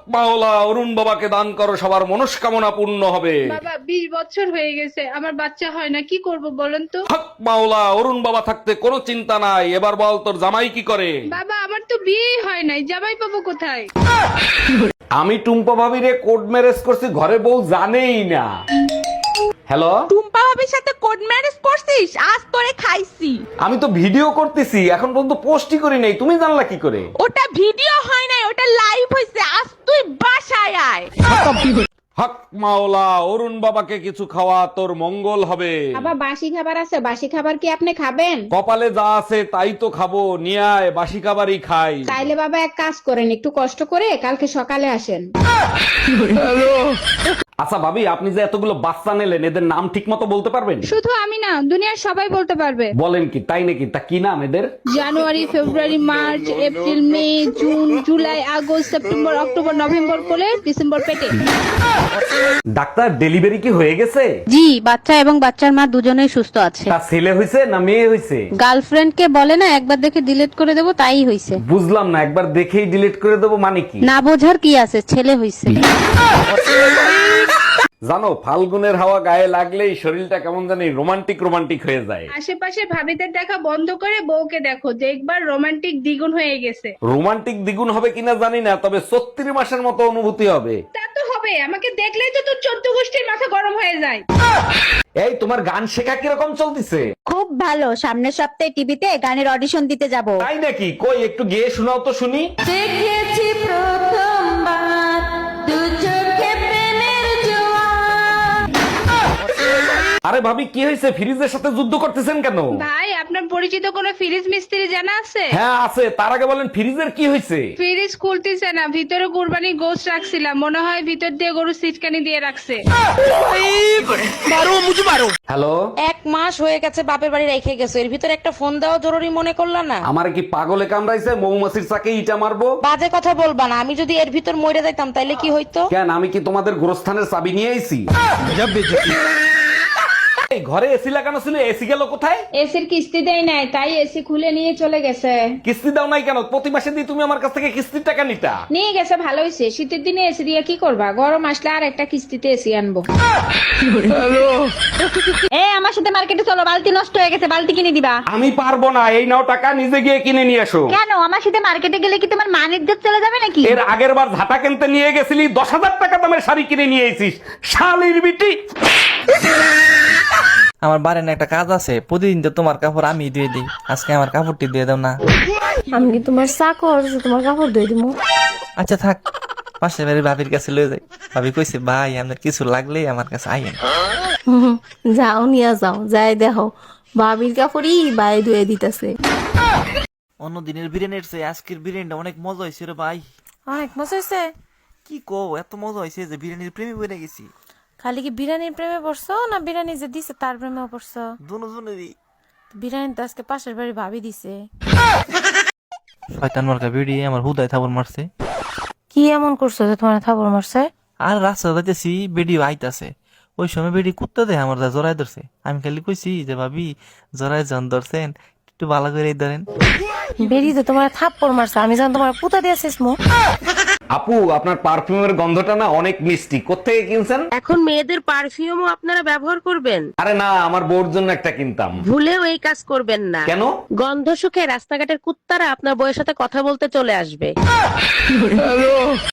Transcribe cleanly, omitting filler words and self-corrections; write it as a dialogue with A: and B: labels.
A: মাওলা অরুণ বাবাকে দান করো, সবার মনস্কামনা পূর্ণ হবে।
B: বাবা 20 বছর হয়ে গেছে আমার বাচ্চা হয় না, কি করব বলেন তো?
A: হক মাওলা অরুণ বাবা থাকতে কোনো চিন্তা নাই। এবার বল তোর জামাই কি করে?
B: বাবা আমার তো বিয়ে হয় নাই, জামাই পাবো কোথায়?
A: আমি টুম্পা ভাবিরে কোর্ট ম্যারেজ করছি, ঘরে বউ জানেই না। হ্যালো,
C: টুম্পা ভাবির সাথে কোড ম্যারেজ করছিস? আজ তোরে খাইছি।
A: আমি তো ভিডিও করতেছি, এখন পর্যন্ত পোস্টই করি নাই, তুমি জানলা কি করে?
C: ওটা ভিডিও হয় নাই, ওটা লাইভ হইছে। আজ তুই বাসায় আয়।
A: হক মাওলা অরুণ বাবাকে কিছু খাওয়া, তোর মঙ্গল হবে।
D: বাবা বাসি খাবার আছে, বাসি খাবার কি আপনি খাবেন?
A: কপালে যা আছে তাই তো খাবো, নিয়ে আয়, বাসি খাবারই খাই।
D: তাইলে বাবা এক কাজ করেন, একটু কষ্ট করে কালকে সকালে আসেন।
A: আচ্ছা ভাবি, আপনি যে এতগুলো বাচ্চা নিলেন, এদের নাম ঠিক মতো বলতে পারবেন?
B: শুধু আমি না, দুনিয়ার সবাই বলতে পারবে।
A: বলেন কি, তাই নাকি? তা কি নাম এদের?
B: January, February, March, April, May, June, July, August, September, October, November কোলে, ডিসেম্বর পেটে।
A: ডাক্তার, ডেলিভারি কি হয়ে গেছে?
E: জি, বাচ্চা এবং বাচ্চার মা দুজনেই সুস্থ আছে।
A: তা ছেলে হয়েছে না মেয়ে হয়েছে?
E: গার্লফ্রেন্ড কে বলে না একবার দেখে ডিলিট করে দেবো, তাই হইছে।
A: বুঝলাম না, একবার দেখেই ডিলিট করে দেবো মানে কি?
E: না বোঝার কি আছে, ছেলে হইছে।
A: জানো, ফাল্গুনের হাওয়া গায়ে লাগলেই শরীরটা কেমন জানি রোমান্টিক রোমান্টিক হয়ে যায়।
B: আশেপাশে ভাবিদের দেখা বন্ধ করে বউকে দেখো, দেখবার রোমান্টিক দ্বিগুণ হয়ে গেছে।
A: রোমান্টিক দ্বিগুণ হবে কিনা জানি না, তবে 36 মাসের মতো অনুভূতি হবে।
B: তা তো হবে, আমাকে দেখলেই তো তোর 14 গোষ্ঠীর মাথা গরম হয়ে যায়।
A: এই তোমার গান শেখা কিরকম চলতিছে?
F: খুব ভালো। সামনের সপ্তাহে টিভিতে গানের অডিশন দিতে যাব।
A: তাই নাকি? কই একটু গেয়ে শোনাও তো শুনি।
C: দেখেছি প্রথমবার দু চোখে প্রেমের জোয়ার।
A: আরে ভাবি, কি হয়েছে? ফ্রিজের সাথে যুদ্ধ করতেছেন কেন?
B: ভাই আপনার পরিচিত কোনো ফ্রিজ মিস্ত্রি জানা আছে?
A: হ্যাঁ আছে, তার আগে বলেন ফ্রিজের কি হয়েছে?
B: ফ্রিজ খুলতেছে না, ভিতরে কুরবানি গোশত রাখছিলাম, মনে হয় ভিতর দিয়ে গরু সিটকানি দিয়ে রাখছে।
A: হ্যালো,
G: 1 মাস হয়ে গেছে বাপের বাড়ি রেখে গেছো, এর ভিতরে একটা ফোন দেওয়া জরুরি মনে করলা না?
A: আমার কি পাগলে কামড়াইছে? মৌমাছির চাকে ইটা মারবো?
G: বাজে কথা বলবা না, আমি যদি এর ভিতর মরে যাইতাম তাইলে কি হইতো?
A: কেন, আমি কি তোমাদের গোরস্থানের চাবি নিয়ে আইছি? এই ঘরে এসি লাগানো ছিল, এসি গেল কোথায়?
D: এসির কিস্তি দেয় নাই, তাই এসি খুলে নিয়ে চলে গেছে।
A: কিস্তি দাও নাই কেন? প্রতি মাসে দিয়ে তুমি আমার কাছ থেকে কিস্তির টাকা নিতা।
D: নিয়ে গেছে, ভালো হয়েছে। শীতের দিনে এসি দিয়ে কি করবা, গরম আসলে আর একটা কিস্তিতে এসি আনবো।
F: এ আমার সাথে মার্কেটে চলো, বালতি নষ্ট হয়ে গেছে, বালতি কিনে দিবা।
A: আমি পারবো না, এই নাও টাকা, নিজে গিয়ে কিনে নিয়ে এসো।
F: কেন, আমার সাথে মার্কেটে গেলে কি তোমার মান ইজ্জত চলে যাবে নাকি?
A: এর আগের বার ঝাঁটা কিনতে নিয়ে গেছিলি, 10,000 টাকা দামের শাড়ি কিনে নিয়ে এসিস, শালির বিটি।
H: আমার বাড়ির একটা কাজ আছে, প্রতিদিন তো তোমার কাপড় আমি ধুয়ে দিই, আজকে আমার কাপড়টি দিয়ে দাও না।
I: আমি কি তোমার চাকর যে তোমার কাপড় ধুয়ে দিব?
H: আচ্ছা থাক, পাশের বাড়ির ভাবির কাছে লয়ে যাই। ভাবি কইছে, ভাই আপনার কিছু লাগলেই আমার কাছে আইয়েন।
I: যাও নিয়ে যাও, যাই দেখো ভাবির কাপড়ই বাই ধুয়ে দিতেছে।
H: অন্য দিনের বিরিয়ানির চেয়ে আজকের বিরিয়ানিটা অনেক মজা হয়েছে রে ভাই।
C: অনেক মজা হয়েছে।
H: কি কো, এত মজা হয়েছে যে বিরিয়ানির প্রেমে পড়ে গেছি।
C: খালি কি বিরিয়ানির প্রেমে পড়ছো না বিরিয়ানি যে দিছে তার প্রেমেও পড়ছো?
H: দুজনেরই।
C: বিরিয়ানি তো আজকে পাশের বাড়ি ভাবি দিছে।
H: শয়তান মার্কা বিড়ি আমার হুদায় থাবর মারছে।
C: কি এমন করছো যে তোমার থাবড় মারছে?
H: আর রাস্তা যাইতেছি, বেডিও আইতাছে, ওই সময় বেডি কুত্তা দেয় আমার, জড়াই ধরছে। আমি খালি কইছি যে ভাবি জড়াই জন ধরছেন, একটু ভালো করে ধরেন।
C: বেরি তো তোমার থাপ্পড় মারছে, আমি জান তোমার পুতা দিয়েছিস মু।
A: আপু, আপনার পারফিউমের গন্ধটা না অনেক মিষ্টি, কোত্থেকে কিনছেন?
G: এখন মেয়েদের পারফিউমও আপনারা ব্যবহার করবেন?
A: আরে না, আমার বউর জন্য একটা কিনতাম।
G: ভুলেও এই কাজ করবেন না।
A: কেন?
G: গন্ধ শুকে রাস্তাঘাটের কুত্তারা আপনার বউয়ের সাথে কথা বলতে চলে আসবে।